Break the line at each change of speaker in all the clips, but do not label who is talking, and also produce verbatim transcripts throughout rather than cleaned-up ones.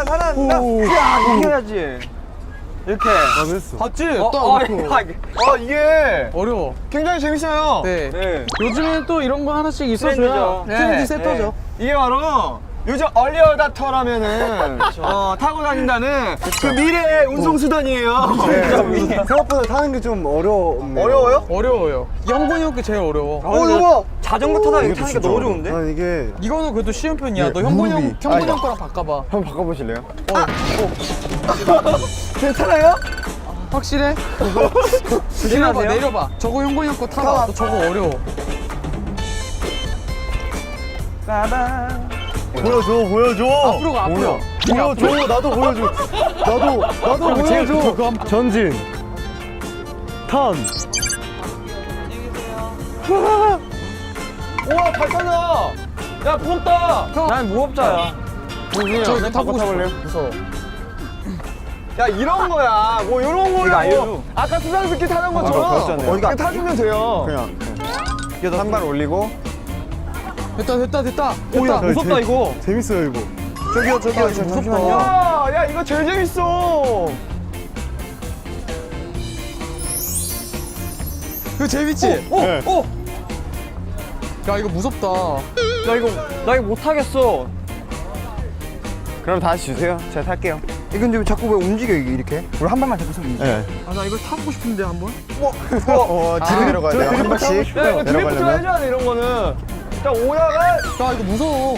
살아난다 살아난다. 야 이렇게 해야지. 이렇게.
아 됐어.
봤지?
어,
딱
어,
놓고.
아, 이게- 어 이게
어려워.
굉장히 재밌어요.
네.
네.
요즘에는 또 이런 거 하나씩 있어줘야
트렌드죠.
트렌드
네,
세터죠.
네. 이게 바로 요즘 얼리어답터라면은 어, 타고 다닌다는 그 미래의 운송수단이에요.
네. 생각보다 타는 게 좀 어려웠네.
어려워요?
어려워요. 형군이 형께 제일 어려워.
어 이거 자전거 타다 이거
이것도
타니까
진짜
너무
어려워.
좋은데?
난 이게
이거는 그래도 쉬운 편이야.
네,
너 형군이 형,
무릎이.
형군이
아,
형 거랑 바꿔봐.
한번 바꿔보실래요?
괜찮아요?
확실해? 내려봐,
조심하세요.
내려봐. 저거 형군이 형 거 타봐. 너 저거 어려워.
빠밤.
보여줘, 보여줘.
앞으로 가, 앞으로.
보여줘, 나도 보여줘. 나도, 나도
그거 제일
보여줘.
그거 한-
전진. 턴.
우와 잘 타자. 야 무섭다.
형.
난 무법자야.
저 이거 타보고 싶어요. 무서워.
야 이런 거야. 뭐 이런 거야.
이거 알려줘.
아까 수상스키 타는
아까
것처럼
배웠잖아요.
이거 타주면 돼요.
그냥. 이게 한 발 올리고.
됐다, 됐다, 됐다.
오야
됐다.
무섭다
재-
이거.
재밌어요, 이거.
저기요 저기요
아, 잠시만요.
야, 야 이거 제일 재밌어.
이거 재밌지?
오,
네.
오.
야, 이거 무섭다.
나 이거 나 이거 못 타겠어.
그럼 다시 주세요. 제가 탈게요.
이거 근데 자꾸 왜 움직여 이게 이렇게? 우리 한 발만 잡고서 움직여.
네.
아 나 이거 타보고 싶은데 한번.
어, 뒤로 내려가야 돼요. 한 발씩.
야 이거 드리프트만
내려가려면.
해줘야 돼 이런 거는. 자 오다가
야, 이거 무서워.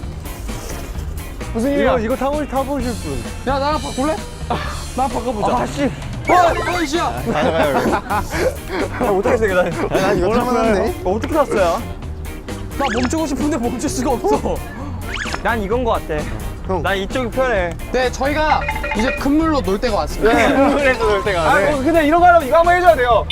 무슨 일이야?
이거, 이거 타보, 타보실 분.
야, 나랑 바꿀래? 나랑 바꿔보자.
아 씨.
어, 어, 이씨야.
가져가요, 여기.
나 못하겠어 이거 나.
난 이거 탈만한데?
어, 어떻게 탔어요?
나 멈추고 싶은데 멈출 수가 없어.
난 이건 거 같아.
형.
난 이쪽이 편해.
네, 저희가 이제 큰 물로 놀 때가 왔습니다.
그래서 놀 때가. 아,
네.
뭐, 근데 이런 거 하려면 이거 한번 해줘야 돼요.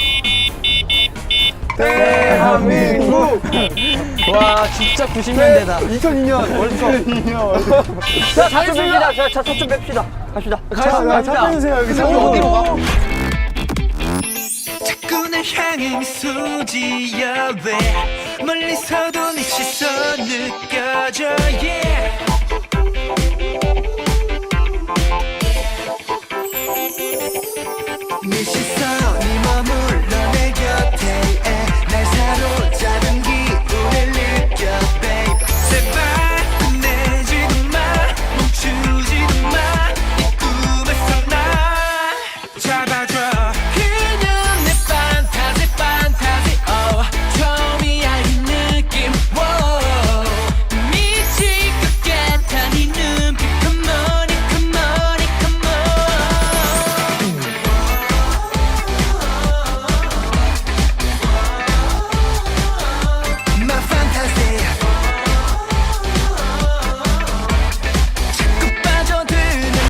대한민국.
와, 진짜 구십 년대다.
이천이 년 월드컵. 자, 차좀 뺍시다. 자, 차 좀 뺍시다. 갑시다.
자, 차 빼주세요, 여기. 차
어, 어디로 가?
자꾸 날 향해 미소 지어 왜 멀리서도 네 시선 느껴져 yeah.